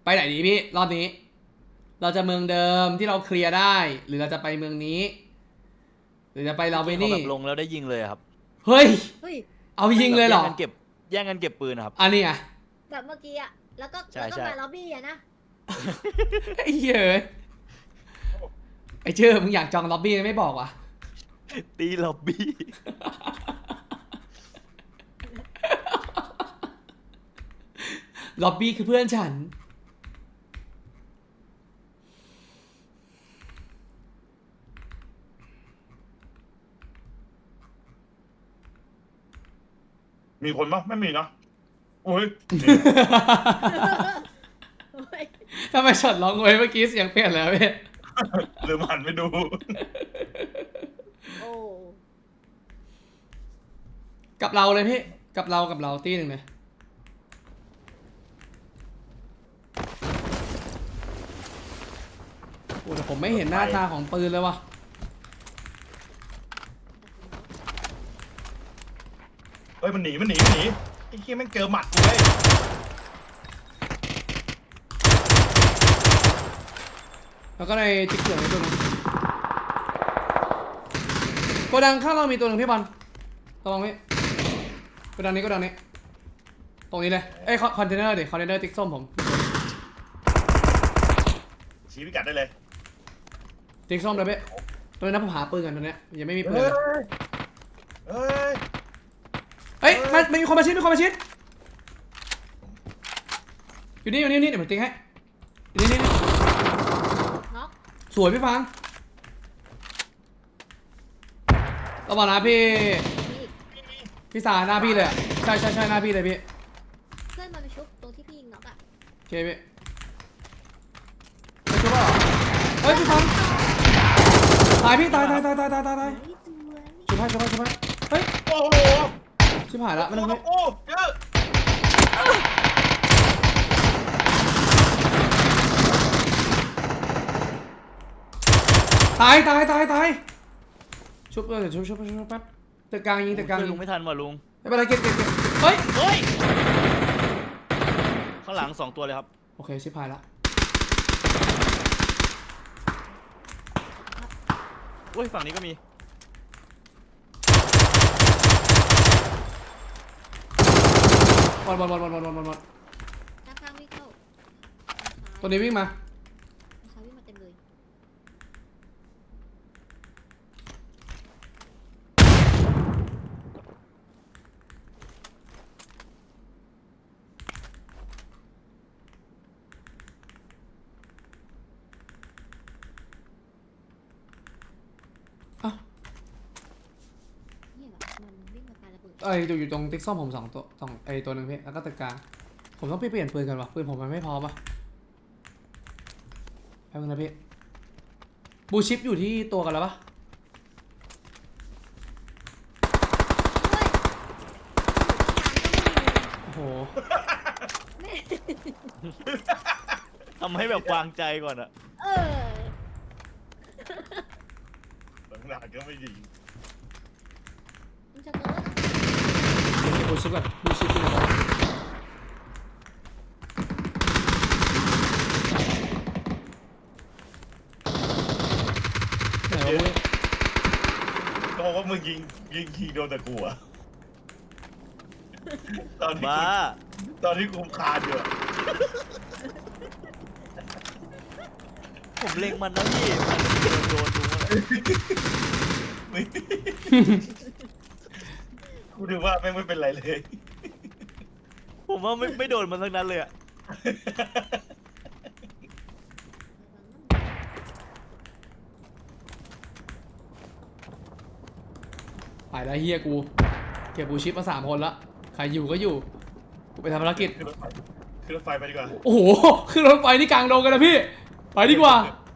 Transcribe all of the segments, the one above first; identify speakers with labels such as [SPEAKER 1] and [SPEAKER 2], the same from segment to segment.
[SPEAKER 1] ไปไหนดีพี่รอบนี้ เราจะเมืองเดิมที่เราเคลียร์ได้ หรือเราจะไปเมืองนี้ หรือจะไปลาเว
[SPEAKER 2] ที่เขา
[SPEAKER 1] นี่
[SPEAKER 2] แบบลงแล้วได้ยิงเลยอะครับ
[SPEAKER 1] เฮ้ย
[SPEAKER 3] เฮ้ย
[SPEAKER 1] เอายิงเลยเหรอ
[SPEAKER 2] แย่งกันเก็บปืนนะครับ
[SPEAKER 1] อันนี้ไง
[SPEAKER 3] แบบเมื่อกี้อะแล้วก็
[SPEAKER 2] ใช่
[SPEAKER 3] แล้วก็
[SPEAKER 2] ใช่
[SPEAKER 3] มาล็อบบี้อะนะ
[SPEAKER 1] ไอ้เหี้ยเอ้ยไอ้เชื่อมึงอยากจองล็อบบี้ไม่บอกวะ
[SPEAKER 2] ตีล็อบบี้
[SPEAKER 1] ล็อบบี้คือเพื่อนฉัน
[SPEAKER 4] มีคนปะไม่มีเนาะโอ้ย
[SPEAKER 3] โอ้ย
[SPEAKER 1] ทำไมช็อตร้องไว้เมื่อกี้เสียงเปลี่ยนแล้วพี่
[SPEAKER 4] ลืมหันไปดู
[SPEAKER 3] โอ้
[SPEAKER 1] กับเราเลยพี่ กับเราตีหนึ่งเลยโอ้แต่ผมไม่เห็นหน้าตาของปืนเลยว่ะ
[SPEAKER 4] เฮ้ยมันหนีไอ้เหี้ยแม่งเจอหมัดกูเลย
[SPEAKER 1] แล้วก็ในติ๊กเกอร์ในตัวนึงโกดังข้างเรามีตัวหนึ่งพี่บอลระวังพี่โกดังนี้ตรงนี้เลยเอ้ยคอนเทนเนอร์ดิคอนเทนเนอร์ติ๊กส้มผม
[SPEAKER 4] ชี้พิกัดได้เลย
[SPEAKER 1] ติ๊กส้มเลยพี่ตัวนี้นะผมหาปืนกันตัวเนี้ยยังไม่มีปืน
[SPEAKER 4] เฮ้
[SPEAKER 1] เลย ย
[SPEAKER 4] เฮ้ย
[SPEAKER 1] เฮ้ยมันมีคนมาชิดอยู่นี่เดี๋ยวผมติ๊กให้อยู่นี่
[SPEAKER 3] น็อก
[SPEAKER 1] สวยพี่ฟังระวังนะพี่
[SPEAKER 3] มีอีก
[SPEAKER 1] พี่สาหน้าพี่เลยอะใช่หน้าพี่เลยพี่
[SPEAKER 3] เพื่อนมันไปชุบตรงที่พี่ยิงน็อกอะ
[SPEAKER 1] โอเคพี่ไม่ชุบหรอเฮ้ยพี่ฟังตายพี่ตาย
[SPEAKER 3] เฮ้ยสวย
[SPEAKER 1] ชุบให้เฮ้ย
[SPEAKER 4] โอ้โห
[SPEAKER 1] ชิบหายละไม่ต้อง
[SPEAKER 4] โอ้เยอะ
[SPEAKER 1] ตายชุบเดี๋ยวชุบแป๊บตึกกลางยิง
[SPEAKER 2] ช่วยลุงไม่ทันว่ะลุง
[SPEAKER 1] ไม่เป็นไรเก็บเฮ้ย
[SPEAKER 2] เฮ้ย ข้างหลัง2 ตัวเลยครับ
[SPEAKER 1] โอเคชิบหายละ
[SPEAKER 2] อุ้ยฝั่งนี้ก็มี
[SPEAKER 1] บอล
[SPEAKER 3] ด้านข้างวิ่งเข้า
[SPEAKER 1] ตัวนี้วิ่งมา
[SPEAKER 3] ซ้ายวิ่งมาเต็มเลย
[SPEAKER 1] อ้าว
[SPEAKER 3] เนี่ยแบบมันวิ่งมาปาระเบิด
[SPEAKER 1] อยู่ตรงติ๊กส้มผมสองตัวหนึ่งพี่แล้วก็ตึกกลางผมต้องไปเปลี่ยนปืนกันวะปืนผมมันไม่พอปะแป๊บนึงนะพี่บูชิปอยู่ที่ตัวกันแล้วปะ
[SPEAKER 3] เฮ้ย
[SPEAKER 1] โอ้โห
[SPEAKER 2] ทำให้แบบวางใจก่อนอะ
[SPEAKER 3] เออ
[SPEAKER 4] หลังๆก็ไม่ยิง
[SPEAKER 3] มันจะเกิด
[SPEAKER 1] เก็บบูชิปก่อนบูชิปอยู่ไหนวะไหนวะมึง
[SPEAKER 4] ก็บอกว่ามึงยิงโดนแต่กูอะตอนที่
[SPEAKER 2] บ้า
[SPEAKER 4] กูคานอยู่อะ
[SPEAKER 2] ผมเล็งมันนะพี่มันโดนลุงอะ
[SPEAKER 4] กูดูว่าแม่งไม่เป็นไรเลย
[SPEAKER 2] ผมว่าไม่โดนมันทั้งนั้นเลยอะ
[SPEAKER 1] ไปแล้วเฮียกูเก็บบูชิปมา3 คนละใครอยู่ก็อยู่กูไปทำภารกิจ
[SPEAKER 4] ขึ้นรถไฟไปดีกว่า
[SPEAKER 1] โอ้โหขึ้นรถไฟนี่กลางดงกันนะพี่ไปดีกว่า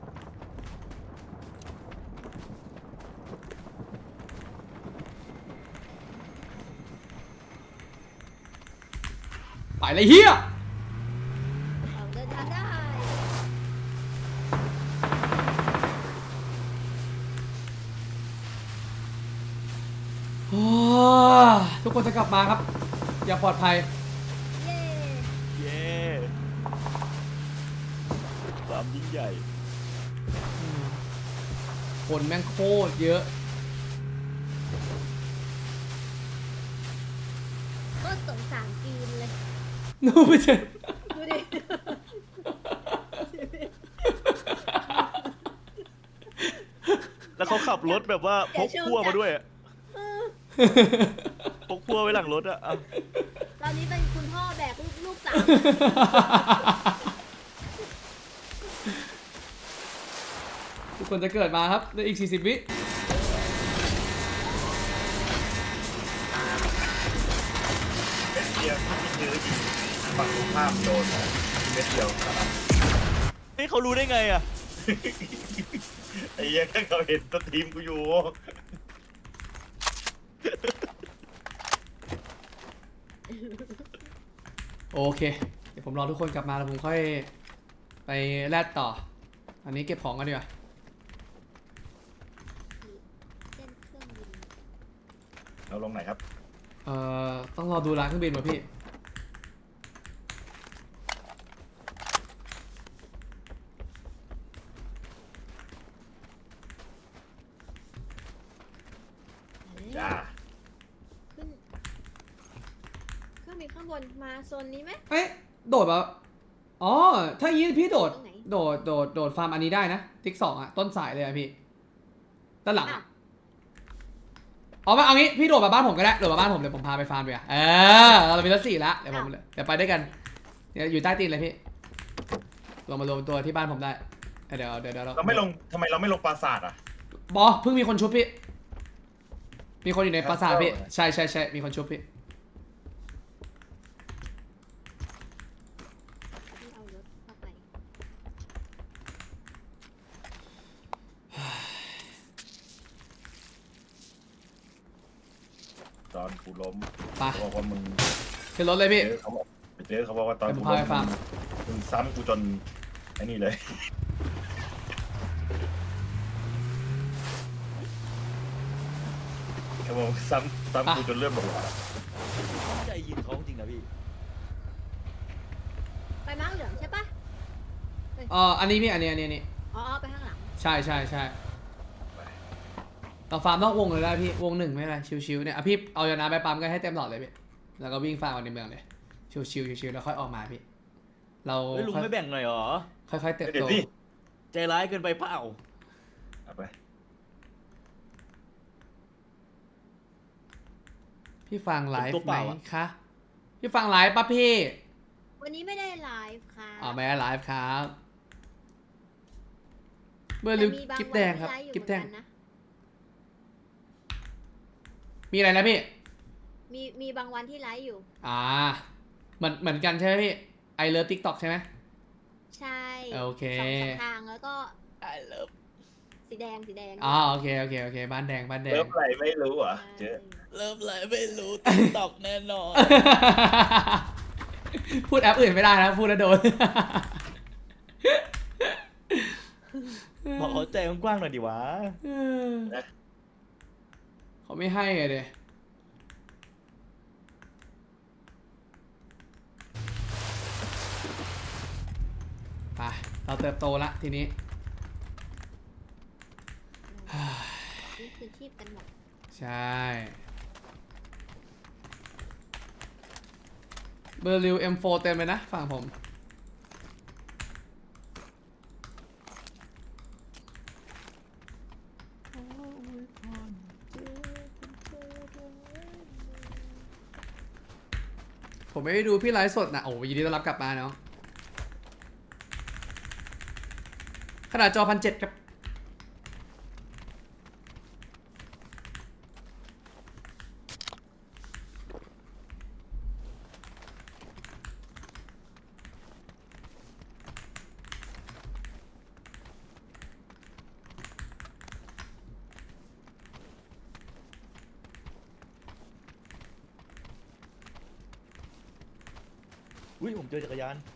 [SPEAKER 1] ไปเลยเฮีย
[SPEAKER 3] เอาเดินทางได้
[SPEAKER 1] โอ้ทุกคนจะกลับมาครับ อย่าปลอดภัย
[SPEAKER 3] เย้
[SPEAKER 2] เย้ใหญ่
[SPEAKER 1] คนแม่งโคตรเยอะ
[SPEAKER 3] ก็สงสารจีนเลย
[SPEAKER 1] นู่นไม่ใช่
[SPEAKER 3] ดูดิ
[SPEAKER 2] แล้วเขาขับรถแบบว่าพกพั่วมาด้วยอะพกพั่วไว้หลังรถอะเอา
[SPEAKER 3] ตอนนี้เป็นคุณพ่อแบกลูกสาว
[SPEAKER 1] ทุกคนจะเกิดมาครับในอีก 40 วิ
[SPEAKER 4] เป็นเดียวที่ยื้อยิงฝั่งตรงข้ามโดนเม็ดเดียว
[SPEAKER 2] นี่เขารู้ได้ไงอะ
[SPEAKER 4] ไอ้เหี้ยังเขาเห็นตัวทีมกูอยู่
[SPEAKER 1] โอเค เดี๋ยวผมรอทุกคนกลับมาแล้วผมค่อยไปแลดต่อ อันนี้เก็บของกันดีกว่า
[SPEAKER 3] เส้นเครื่องบิน
[SPEAKER 4] เราลงไหนครับ
[SPEAKER 1] ต้องรอดูร้านเครื่องบินว่ะพี่
[SPEAKER 4] จ้า
[SPEAKER 3] ขึ้นเครื่องบินข้างบนมาโซนนี้ไหม
[SPEAKER 1] เอ๊ะโดดแบบอ๋อ ถ้าอย่างนี้พี่โดด
[SPEAKER 3] ตรงไหน
[SPEAKER 1] โดดฟาร์มอันนี้ได้นะ ติ๊ก2อ่ะ ต้นสายเลยอ่ะพี่ ด้านหลัง
[SPEAKER 3] อ้า
[SPEAKER 1] อะ
[SPEAKER 3] ว
[SPEAKER 1] เอามาเอางี้ พี่โดดมาบ้านผมก็ได้ โดดมาบ้านผมเดี๋ยวผมพาไปฟาร์มดีกว่าเรามีรถ4แล้ว เดี๋ยวไปด้วยกัน เดี๋ยวอยู่ใต้ตีนเลยพี่ ลงมารวมตัวที่บ้านผมได้ เดี๋ยวเรา
[SPEAKER 4] เราไม่ลงทำไมเราไม่ลงปราสาทอ่ะ
[SPEAKER 1] บอเพิ่งมีคนชุบพี่ มีคนอยู่ในปราสาทพี่ ใช่มีคนชุบพี่
[SPEAKER 3] ที่เอารถเข้าไป
[SPEAKER 4] ตอนกูล้ม
[SPEAKER 1] ไป
[SPEAKER 4] เขาบอกว่ามึง
[SPEAKER 1] ขึ้นรถเลยพี่
[SPEAKER 4] เขาบอกว่าตอน
[SPEAKER 1] เดี๋ยวผม
[SPEAKER 4] กู
[SPEAKER 1] พา
[SPEAKER 4] ล้
[SPEAKER 1] ไป
[SPEAKER 4] ม
[SPEAKER 1] ฟาร์ม
[SPEAKER 4] มึงซ้ำกูจนไอ้นี่เลย เขาบอกว่าซ้ำกูจนเลือดหมดหัว
[SPEAKER 2] ใจยิงเขาจริงนะพี่
[SPEAKER 3] ไปม้าเหลืองใช่ปะ
[SPEAKER 1] อันนี้พี่ อันนี้
[SPEAKER 3] อ๋อไปข้างหลัง
[SPEAKER 1] ใช่เราฟาร์มนอกวงเลยได้พี่ วง 1ไม่เป็นไรชิวๆเนี่ยอ่ะพี่เอายาน้ำไปปั๊มกันให้เต็มหลอดเลยพี่ แล้วก็วิ่งฟาร์มเอาในเมืองเลย ชิวๆแล้วค่อยออกมาพี่ เรา
[SPEAKER 2] เฮ้ยลุงไม่แบ่งหน่อยเหรอ
[SPEAKER 1] ค่อยๆเติบ
[SPEAKER 4] เดี๋ย
[SPEAKER 1] โต
[SPEAKER 4] วสิ
[SPEAKER 2] ใจร้ายเกินไปเปล่า
[SPEAKER 4] เอาไป
[SPEAKER 1] พี่ฟังไลฟ์
[SPEAKER 2] ตัว
[SPEAKER 1] ไห
[SPEAKER 2] เป
[SPEAKER 1] ม
[SPEAKER 2] ล่าอะ
[SPEAKER 1] คะ พี่ฟังไลฟ์ปะพี่
[SPEAKER 3] วันนี้ไม่ได้ไลฟ์ค่ะ
[SPEAKER 1] ไม่ได้ไลฟ์ครับ เบอร์ลิว
[SPEAKER 3] แต่มีบาง
[SPEAKER 1] กิฟแดงครับ
[SPEAKER 3] วันที่ไลฟ์อยู่
[SPEAKER 1] กิฟแดง
[SPEAKER 3] เหมือนกันนะ
[SPEAKER 1] มีอะไรนะพี่
[SPEAKER 3] มีบางวันที่ไลฟ์อยู่
[SPEAKER 1] เหมือนกันใช่ไหมพี่ ไอเลิฟทิกตอกใช่ไหม
[SPEAKER 3] ใช่
[SPEAKER 1] โอเค
[SPEAKER 3] สองทางแล้วก็
[SPEAKER 2] I love
[SPEAKER 3] สีแดง
[SPEAKER 1] โอเคบ้านแดง
[SPEAKER 4] เริ่มอะไรไม่รู้เหรอ่ะ
[SPEAKER 3] ใช่
[SPEAKER 4] เจ๊
[SPEAKER 2] เริ่มอะไรไม่รู้ติ๊กตอกแน่นอน
[SPEAKER 1] พูดแอปอื่นไม่ได้นะ พูดแล้วโดน
[SPEAKER 2] บอกเขาใจกว้างๆหน่อยดิวะ
[SPEAKER 1] เขาไม่ให้ไงเดยไปเราเติบโตละทีนี้
[SPEAKER 3] นี่คือชีพกันหมด
[SPEAKER 1] ใช่ เบอร์ลิว M4 เต็มเลยนะฝั่งผม ผมไม่ได้ดูพี่ไลฟ์สดนะโอ้ยินดีต้อนรับกลับมาเนาะขนาดจอ1,700ครับ
[SPEAKER 2] อุ้ยผมเจอจักรยาน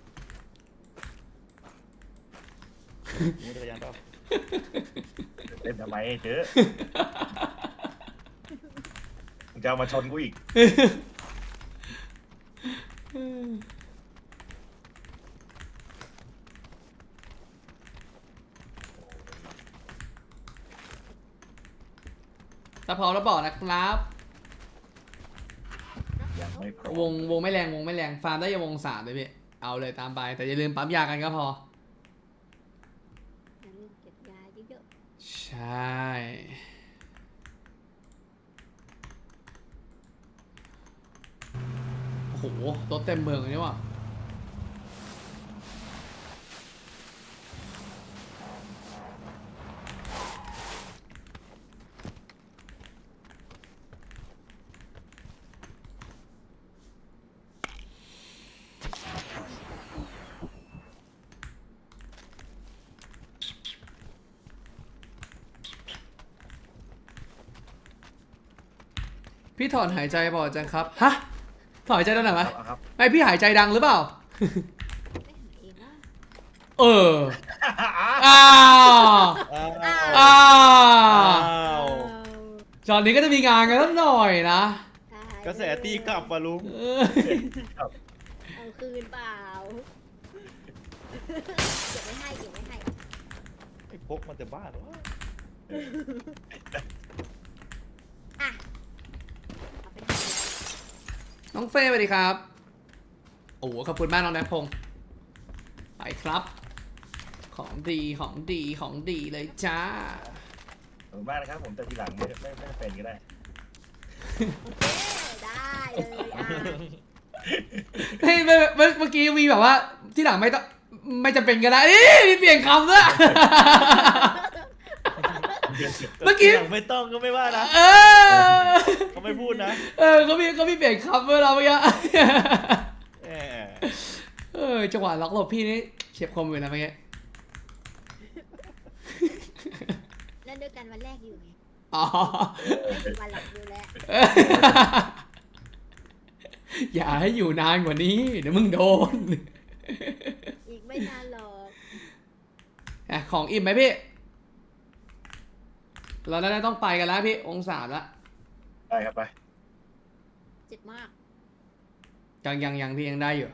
[SPEAKER 2] มีจักรยานเปล่า
[SPEAKER 4] เล่นทำไมเจ๊มึงจะเอามาชนกูอีก
[SPEAKER 1] ถ้าพร้อมแล้วบอกนะครับ
[SPEAKER 4] ยังไม่พร้อม
[SPEAKER 1] วงไม่แรงวงไม่แรงฟาร์มได้ยังวง3เลยพี่เอาเลยตามไปแต่อย่าลืมปั๊มยากันก็พอ
[SPEAKER 3] อย่าลืมเก็บยาเยอะ
[SPEAKER 1] ใช่โอ้โหรถเต็มเมืองเลยนี่ว่ะพี่ถอนหายใจบ่อยจังครับฮะถอนหายใจตอนไหนวะ
[SPEAKER 4] เอาครับ
[SPEAKER 1] ไม่พี่หายใจดังหรือเปล่า
[SPEAKER 3] ๆไม่หาเองว่า
[SPEAKER 1] เอออ้าว
[SPEAKER 2] อ้าว
[SPEAKER 1] อ้าว
[SPEAKER 2] อ้าว
[SPEAKER 1] จอนนี้ก็จะมีงานกันสักหน่อยนะ
[SPEAKER 2] กระแสตีกลับว่ะลุง
[SPEAKER 1] เออ
[SPEAKER 3] เอาคืนเปล่าเก็บไว้ให้เก็บไว้ให้
[SPEAKER 2] ไอ้พกมันจะบ้าเหรอวะ
[SPEAKER 3] อ่ะเอาไปทำอะไร
[SPEAKER 1] น้องเฟ่สวัสดีครับ โอ้โหขอบคุณมากน้องแนทพงศ์ไปครับ ของดีของดีของดีเลยจ้า
[SPEAKER 4] ขอบคุณมากนะครับผมแต่ทีหลังไม่เป็นก็ได้
[SPEAKER 3] โอเคได้เลยอ่ะ
[SPEAKER 1] เฮ้ยเมื่อกี้มีแบบว่าที่หลังไม่ต้องไม่จำเป็นก็ได้มีเปลี่ยนคำด้วย เมื่อกี้
[SPEAKER 2] หลังไม่ต้องก็ไม่ว่านะ
[SPEAKER 1] เออ
[SPEAKER 2] เขาไม่พูดนะ
[SPEAKER 1] เขามีเปลี่ยนคำเวลาเมื่อกี้
[SPEAKER 2] แหม
[SPEAKER 1] จังหวะล็อกหลบพี่นี่เฉียบคมอยู่นะเมื่อกี้
[SPEAKER 3] เล่นด้วยกันวันแรกอยู่ไง
[SPEAKER 1] อ๋อ
[SPEAKER 3] ไม่ถึงวันหลังอยู่แล้ว
[SPEAKER 1] อย่าให้อยู่นานกว่านี้เดี๋ยวมึงโดน
[SPEAKER 3] อีกไม่นานหรอก
[SPEAKER 1] อ่ะของอิ่มไหมพี่ เราน่าจะต้องไปกันแล้วพี่องศาละ
[SPEAKER 4] ได้ครับไป
[SPEAKER 3] เจ็บมาก
[SPEAKER 1] ยังพี่ยังได้อยู่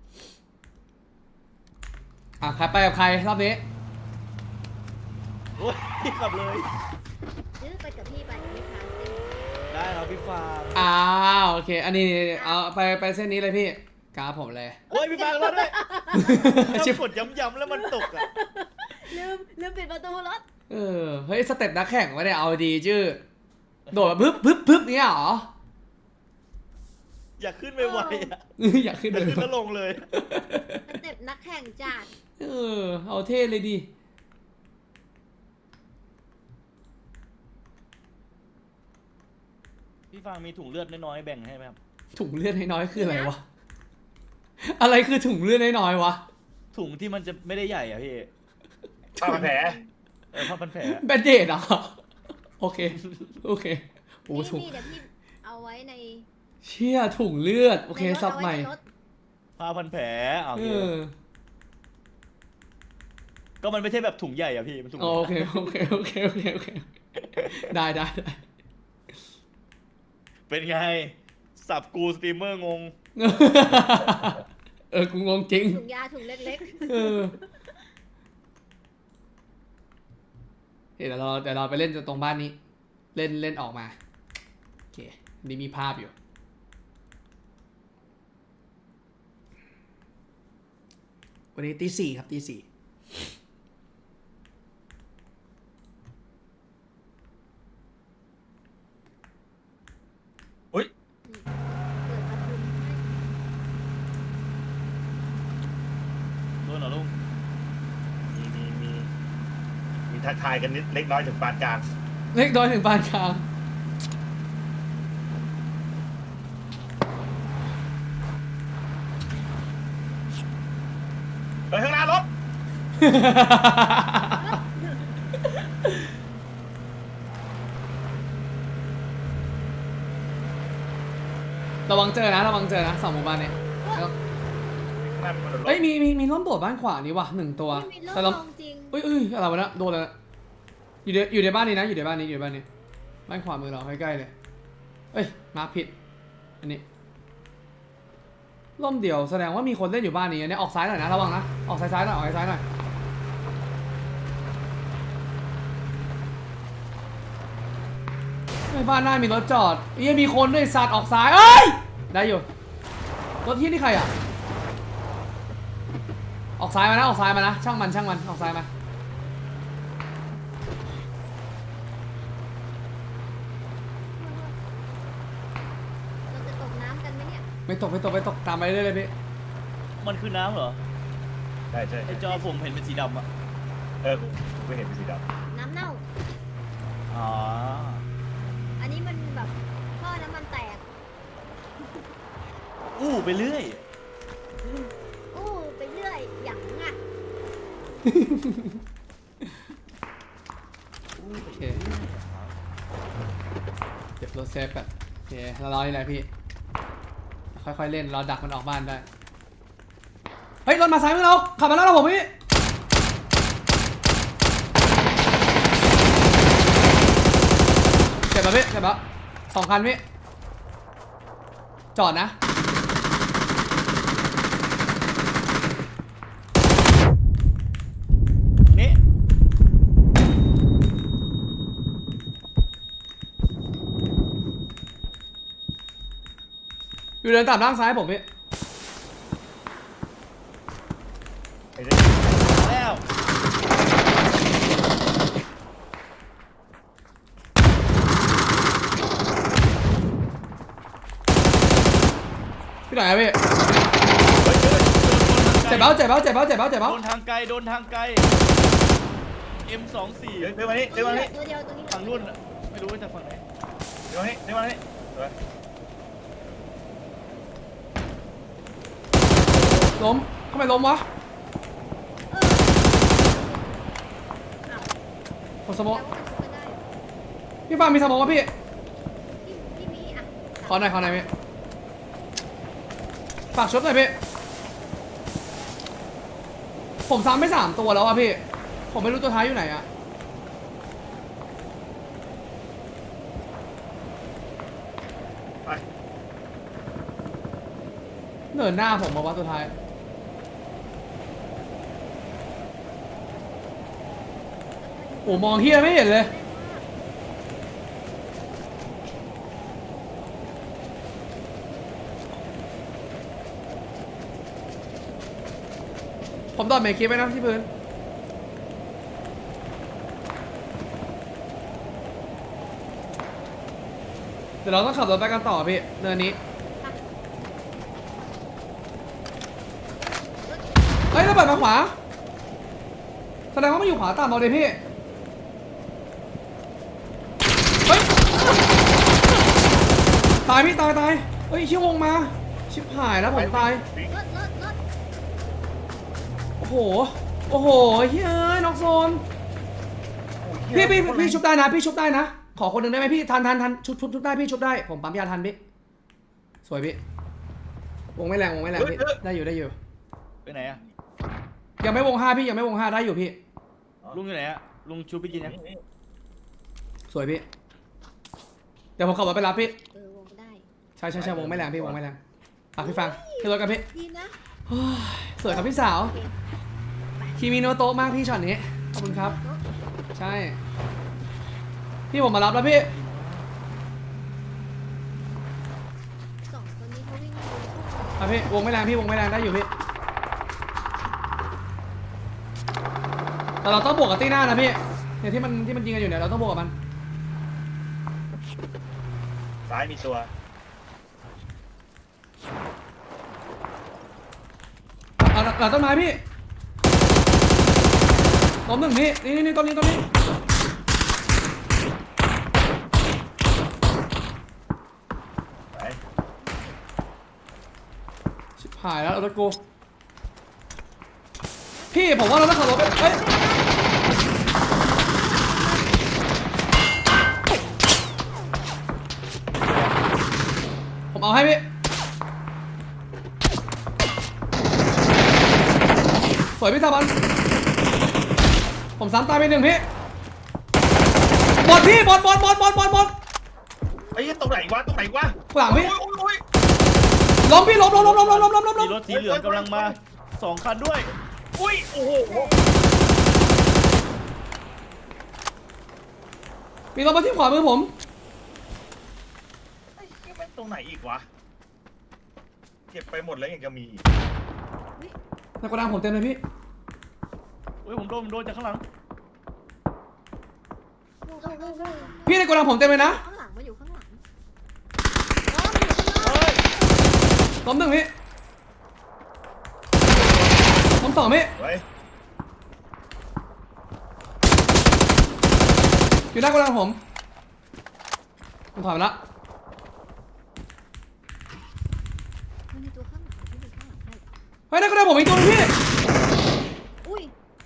[SPEAKER 1] อ่ะใครไปกับใครรอบนี้
[SPEAKER 2] โอ้ยขับเลย
[SPEAKER 3] ซื้อไปกับพี่ไปไม่พาเส้น
[SPEAKER 2] ได้ครับพี่ฟาง
[SPEAKER 1] อ้าวโอเค อันนี้เอาไปเส้นนี้เลยพี่กราฟผมเลย
[SPEAKER 2] โอ้ยพี่ฟางรถด้วย
[SPEAKER 1] ชิบ
[SPEAKER 2] กดย้ำๆแล้วมันตกอ่ะ
[SPEAKER 3] ลืมปิดประตูรถ
[SPEAKER 1] เฮ้ยสเต็ปนักแข่งวะเนี่ยเอาดีชื่อโดดแบบพึบเนี้ยเหรอ
[SPEAKER 2] อยากขึ้นไปไวๆอ่ะ
[SPEAKER 1] อยากขึ้น
[SPEAKER 2] อยาก
[SPEAKER 1] เลย
[SPEAKER 2] ขึ้นแล้วลงเลย
[SPEAKER 3] สเต็ปนักแข่งจัด
[SPEAKER 1] เอาเท่เลยดิ
[SPEAKER 2] พี่ฟางมีถุงเลือดน้อยๆแบ่งให้ไหมครับ
[SPEAKER 1] ถุงเลือดน้อยๆคืออะไรวะ อะไรคือถุงเลือดน้อยๆวะ
[SPEAKER 2] ถุงที่มันจะไม่ได้ใหญ่อ่ะพี่
[SPEAKER 4] ผ้าพันแผล
[SPEAKER 2] ผ้าพันแผลอะ
[SPEAKER 1] แบนเดดเหรอ โอเคโอ้
[SPEAKER 3] นี่
[SPEAKER 1] ถุง
[SPEAKER 3] นี่เดี๋ยวพี่เอาไว้ใน
[SPEAKER 1] เชี่ยถุงเลือดโอเค
[SPEAKER 3] ในรถ
[SPEAKER 1] ซับใหม่
[SPEAKER 3] เอาไว้ในรถ
[SPEAKER 2] ผ้าพันแผลโอ
[SPEAKER 1] เอ
[SPEAKER 2] เค
[SPEAKER 1] อ
[SPEAKER 2] ก็มันไม่ใช่แบบถุงใหญ่อ่ะพี่มันถุง
[SPEAKER 1] โอเคได้
[SPEAKER 2] เป็นไง สับกูสตรีมเมอร์งง
[SPEAKER 1] กูงงจริง
[SPEAKER 3] ถุงยาถุงเล็ก
[SPEAKER 1] เดี๋ยวเราไปเล่นตรงบ้านนี้ เล่นออกมาโอเคนี่มีภาพอยู่วันนี้ตี 4ครับตี 4
[SPEAKER 4] อุ้ย
[SPEAKER 3] ๆเปิดประตูให้
[SPEAKER 2] โดนเหรอลุง
[SPEAKER 4] มีทักทายกันนิดเล็กน้อยถึงปานกลาง
[SPEAKER 1] เล็กน้อยถึงปานกลาง
[SPEAKER 4] เฮ้ยข้างหน้ารถ
[SPEAKER 1] ระวังเจอนะสองหมู่บ้านเนี่ยแล้ว
[SPEAKER 4] ข้างหน้ามีคนโดนรถ
[SPEAKER 1] เอ้ยมีร่มโบดบ้านขวานี่ว่ะ1 ตัว
[SPEAKER 3] ไม่มี
[SPEAKER 1] แต่
[SPEAKER 3] โร
[SPEAKER 1] เรา
[SPEAKER 3] คลองจริง
[SPEAKER 1] เอ้ยอะไรวะเนะโดนแล้วอยู่ในบ้านนี้นะอยู่ในบ้านนี้บ้านขวามือเราใกล้ๆเลยเอ้ยมาผิดอันนี้ร่มเดียวแสดงว่ามีคนเล่นอยู่บ้านนี้อันนี้ออกซ้ายหน่อยนะระวังนะออกซ้ายๆหน่อยออกซ้ายๆหน่อยไม่บ้านหน้ามีรถจอดยังมีคนด้วยสัตว์ออกซ้ายเอ้ยได้อยู่รถที่นี่ใครอ่ะออกซ้ายมานะออกซ้ายมานะช่างมันออกซ้ายมา
[SPEAKER 3] เราจะตกน้ำกันไหมเนี่ย
[SPEAKER 1] ไม่ตกตามไปเรื่อยเลยพี่
[SPEAKER 2] มันคือน้ำเหรอ
[SPEAKER 4] ใช่ใช่
[SPEAKER 2] ไอจอผมเห็นเป็นสีดำอะ
[SPEAKER 4] กูไม่เห็นเป็นสีด
[SPEAKER 3] น้ำเน่า
[SPEAKER 2] อ๋อ
[SPEAKER 3] อันนี้มันแบบท่อน้ำมันแตก
[SPEAKER 2] อู้ไปเรื่อย
[SPEAKER 3] อู้ไปเรื่อยอย่างอ่ะ
[SPEAKER 1] โอเคเก็บรถเซฟแบบโอเคเรารอนี่แหละพี่ค่อยๆเล่นเราดักมันออกบ้านได้เฮ้ยรถมาซ้ายมือเราขับมาแล้วเราผมพี่เจ็บป่ะพี่เจ็บป่ะ2 คันพี่จอดนะ
[SPEAKER 2] นี่
[SPEAKER 1] อยู่เดินตามล่างซ้ายผมพี่
[SPEAKER 4] ำไอ้เด็ก
[SPEAKER 2] แล้ว
[SPEAKER 1] พี่ไหนอะพี่
[SPEAKER 4] เฮ้ย
[SPEAKER 1] เจ็บเบ้าเจ็บเบ้าเจ็บเบ้าเจ็บเบ้าเจ็บ
[SPEAKER 2] โด
[SPEAKER 1] เบ้าน
[SPEAKER 2] ทางไกลโดนทางไกล M24
[SPEAKER 4] เดี๋ยวมานี่เดี๋ยวมานี่
[SPEAKER 3] ตัวเดียวตัวนี้
[SPEAKER 2] ฝั่งรุ่นอะไม่รู้ว่าจากฝั่งไหน
[SPEAKER 4] เดี๋ยวมานี่เดี๋ยวมานี่
[SPEAKER 1] ล้มทำไมล้มวะ
[SPEAKER 3] อ้าว
[SPEAKER 1] ผมสโม
[SPEAKER 3] แปล
[SPEAKER 1] ก
[SPEAKER 3] ว่ามันชุบกันได้
[SPEAKER 1] พี่ฟาร์มมีสโมกวะพี่
[SPEAKER 3] พี่มีอ่ะ
[SPEAKER 1] ขอหน่อยพี่ฝากชุบหน่อยพี่ผมซ้ำไป3 ตัวแล้วอะพี่ผมไม่รู้ตัวท้ายอยู่ไหนอะ
[SPEAKER 4] ไป
[SPEAKER 1] เนินหน้าผมมาว่าตัวท้ายโอ้มองเฮียไม่เห็นเลยผมตอดเมคคลิปไว้นะที่พื้นเดี๋ยวเราต้องขับรถไปกันต่อพี่เนินนี้เฮ้ยระเบิดมาขวาแสดงว่ามันอยู่ขวาต่ำเอาเลยพี่เฮ้ยตายพี่ตายเฮ้ยชิวงมาชิบหายแล้วผมตาย
[SPEAKER 3] รถ
[SPEAKER 1] โอ้โหเฮ้ยเอ้ยน็อกโซนพี่ชุบได้นะพี่ชุบได้นะขอคนหนึ่งได้ไหมพี่ทันชุบได้พี่ชุบได้ผมปั๊มยาทันพี่สวยพี่วงไม่แรงพี่ได้อยู่
[SPEAKER 2] ไปไหนอะ
[SPEAKER 1] ยังไม่วง 5พี่ยังไม่วง 5ได้อยู่พี่
[SPEAKER 2] ลุงอยู่ไหนอะลุงชูไปกินยัง
[SPEAKER 1] สวยพี่เดี๋ยวผมขับรถไปรับพี่
[SPEAKER 3] วงได้
[SPEAKER 1] ใช่วงไม่แรงพี่วงไม่แรงอ่ะพี่ฟังขึ้นรถกันพี่
[SPEAKER 3] ดีนะ
[SPEAKER 1] เฮ้ยสวยครับพี่สาว
[SPEAKER 3] โอเค
[SPEAKER 1] คีมิโนโตะมากพี่ช็อตนี้ขอบคุณครับใช่พี่ผมมารับแล้วพี่
[SPEAKER 3] 2 คนนี้เขาวิ่งอยู่
[SPEAKER 1] อ่ะพี่วงไม่แรงได้อยู่พี่แต่เราต้องบวกกับตีหน้านะพี่เนี่ยที่มันยิงกันอยู่เนี่ยเราต้องบวกกับมัน
[SPEAKER 4] ซ้ายมีตัว
[SPEAKER 1] หลังต้นไม้พี่ล้ม1พี่นี่ต้นนี้
[SPEAKER 4] ไป
[SPEAKER 1] ชิบหายแล้วเอารถกูพี่ผมว่าเราต้องขับรถไปเฮ้ยผมเอาให้พี่สวยพี่ตาบันผมซ้ำตายไป1พี่บอดพี่บอด
[SPEAKER 4] ไอ้ยี่ตรงไหนวะหลังพี่
[SPEAKER 1] ล้มพี่ล้ม
[SPEAKER 2] มีรถสีเหลืองกำลังมา2 คันด้วย
[SPEAKER 4] อุ้ยโอ้โห
[SPEAKER 1] มีรถมาที่ขวามือผม
[SPEAKER 4] ตรงไหนอีกวะเก็บไปหมดแล้วยังจะมีอีก
[SPEAKER 1] ในโกดังผมเต็มเลยพี่
[SPEAKER 2] เฮ้ยผมโดนจากข้างหลัง
[SPEAKER 1] พี่ในโกดังผมเต็มเลยนะ
[SPEAKER 3] ข้างหลังมาอยู่ข้างหลัง
[SPEAKER 2] เฮ้ย
[SPEAKER 1] ล้มหนึ่งพี่ล้มสองพี่
[SPEAKER 4] ไว้
[SPEAKER 1] อยู่หน้าโกดังผมถอยมาละ
[SPEAKER 3] มันมีตัวข้างหลังที่อยู่ข้างหลังให้
[SPEAKER 1] เฮ้ยหน้าโกดังผมอีกตัวนึงพี่
[SPEAKER 3] อุ้ย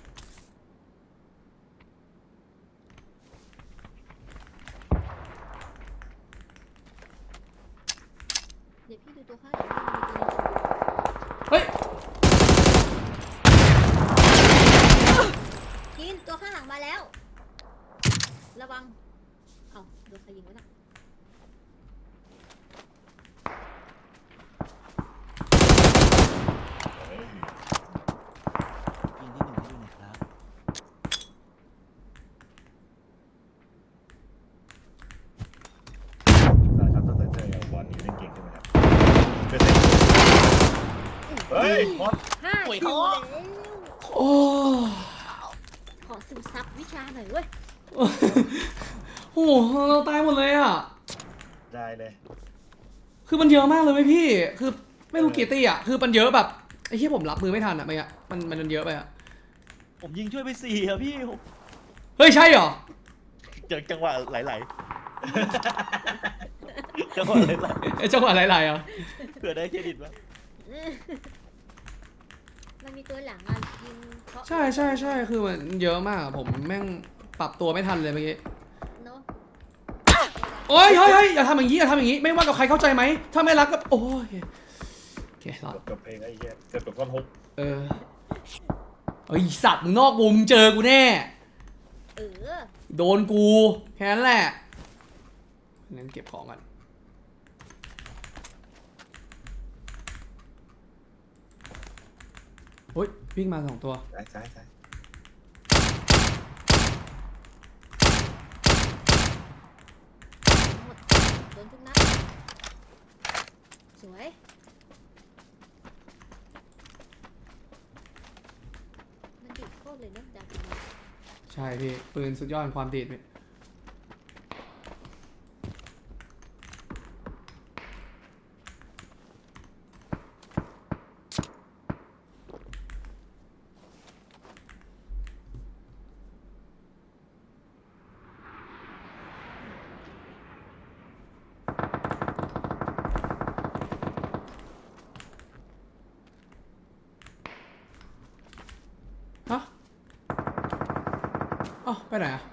[SPEAKER 3] เดี๋ยวพี่ดูตัวข้างหลัง
[SPEAKER 1] เฮ้ย
[SPEAKER 3] กินตัวข้างหลังมาแล้ว ระวัง เอ้าโดนใครยิงวะน่ะ
[SPEAKER 4] เฮ้ย
[SPEAKER 2] ยิงที่หนึ่งให้ดูหน่อยครับ
[SPEAKER 4] สายครับตั้งแต่เจอกับบอลนี่เล่นเก่งใช่ไหมครับเป็นเล่นเฮ้ยบอล
[SPEAKER 3] 5 คิวแล้ว
[SPEAKER 1] โอ้
[SPEAKER 3] ขอซึมซับวิชาหน่อยเว้ย
[SPEAKER 1] โหเราตายหมดเลยอ่ะ
[SPEAKER 4] ได้เลย
[SPEAKER 1] คือมันเยอะมากเลยไหมพี่ คือไม่รู้กี่ตี้อ่ะ คือมันเยอะแบบไอ้ที่ผมรับมือไม่ทันอ่ะมันเยอะไปอ่ะ
[SPEAKER 2] ผมยิงช่วยไป4อะพี่
[SPEAKER 1] เฮ้ยใช่เหรอ
[SPEAKER 2] จากจังหวะไหลๆจังหวะไหล
[SPEAKER 1] ไอ้จังหวะไหลๆอ่ะ
[SPEAKER 2] ๆเผื่อได้เครดิตวะ
[SPEAKER 3] มันมีตัวหลังอ่ะยิงเพราะ
[SPEAKER 1] ใช่คือมันเยอะมากอะผมแม่งปรับตัวไม่ทันเลยเมื่อกี้
[SPEAKER 3] เนาะ
[SPEAKER 1] โอ้ยเฮ้ยอย่าทำอย่างนี้อย่าทำอย่างนี้ ไม่ว่ากับใครเข้าใจไหม ถ้าไม่รักก็โอ้ยโอเครอด
[SPEAKER 4] จบเพลงไอ้เหี้ยเกือบจบท่อนฮุก
[SPEAKER 1] เออไอสัตว์มึงนอกวงมึงเจอกูแน่
[SPEAKER 3] เออ
[SPEAKER 1] โดนกูแค่นั้นแหละงั้นเก็บของก่อนโอ้ยวิ่งมา2 ตัว
[SPEAKER 4] ซ้าย
[SPEAKER 3] หมดโดนทุกนัดสวยมันดิบโคตรเลยเนอะดาบนี้
[SPEAKER 1] ใช่พี่ปืนสุดยอดของความดีดพี่ฮะอ๋อไปไหนอ่ะ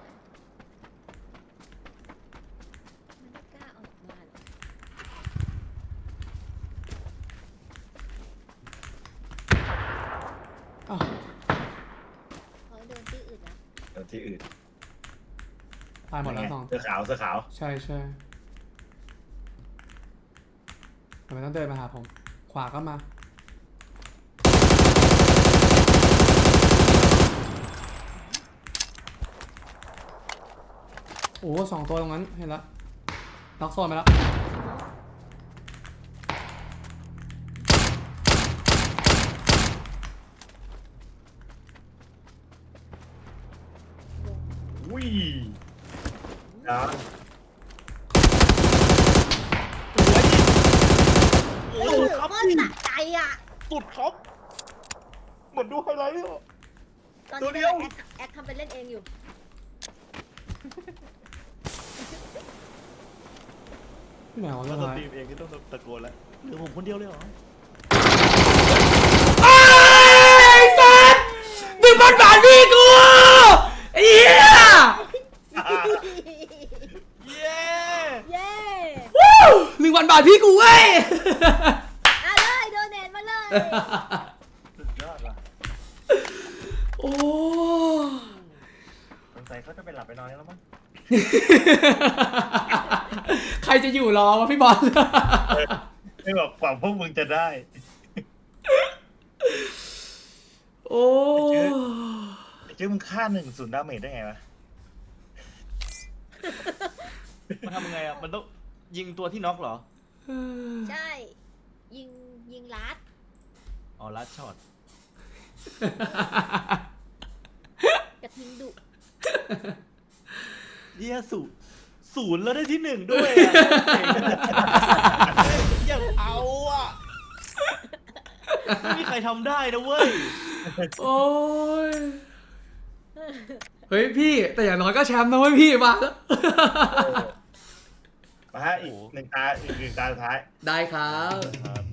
[SPEAKER 3] มันไม่กล้าออกมาหรอก
[SPEAKER 1] อ้าว
[SPEAKER 3] เขาโดนที่อื่นนะ
[SPEAKER 4] เดี๋ยวที่อื่น
[SPEAKER 1] ตายหมดแล้ว2
[SPEAKER 4] เสื้อขาว
[SPEAKER 1] ใช่ทำไมต้องเดินมาหาผม ขวาก็มา โอ้2 ตัวตรงนั้น เห็นแล้วล็อกโซนไปแล้ว
[SPEAKER 4] อุ้ยนะ
[SPEAKER 2] โอ้
[SPEAKER 3] โอ้
[SPEAKER 2] โห
[SPEAKER 3] โห
[SPEAKER 2] ครับ
[SPEAKER 3] โคตรสะใจอ่ะ
[SPEAKER 2] สุดครับเหมือนดูไฮไลท์เลยอะ
[SPEAKER 3] ตอน
[SPEAKER 4] ตัว
[SPEAKER 3] นี้
[SPEAKER 4] เดียว
[SPEAKER 3] แอดทำเป็นเล่นเองอยู่
[SPEAKER 1] ที่ไหนวะ
[SPEAKER 2] ถ้า
[SPEAKER 1] เรื่อง
[SPEAKER 2] ส
[SPEAKER 1] อะไร
[SPEAKER 2] ตรีมเองก็ต้องตะโกนแล้วเหลือผมคนเดียวเลยเหรอ
[SPEAKER 1] ไอ้สัส1,000 บาทพี่กูไอ้เหี้ย
[SPEAKER 2] เย้
[SPEAKER 3] เย้
[SPEAKER 1] วู้1,000 บาทพี่กูเว้ย
[SPEAKER 3] เอาเลยโดเนทมาเลย
[SPEAKER 4] สุดยอดว่ะ
[SPEAKER 1] โอ้
[SPEAKER 4] สงสัยเขาจะไปหลับไปนอนแล้วมั้ง
[SPEAKER 1] ใครจะอยู่รอวะพี่บอล
[SPEAKER 4] ไม่บอกกว่าพวกมึงจะได้
[SPEAKER 1] โอ้
[SPEAKER 4] เจ้ามึงฆ่า1-0 ดาเมจได้ไงวะ
[SPEAKER 2] มันทำยังไงอ่ะมันต้องยิงตัวที่น็อกเหรอ
[SPEAKER 3] ใช่ ยิงลัด
[SPEAKER 2] อ๋อลัดช็อต
[SPEAKER 3] กระทิงดุ
[SPEAKER 2] เยี่ยศูนย์แล้วได้ที่ 1ด้วยอะยังเอาอ่ะไม่มีใครทำได้นะเว้ย
[SPEAKER 1] โอ้ย เฮ้ยพี่ แต่อย่างน้อยก็แชมป์นะเว้ยพี่มาแล้ว
[SPEAKER 4] มาฮะอีกหนึ่งตาสุดท้าย
[SPEAKER 1] ได้ครับ
[SPEAKER 2] ครับ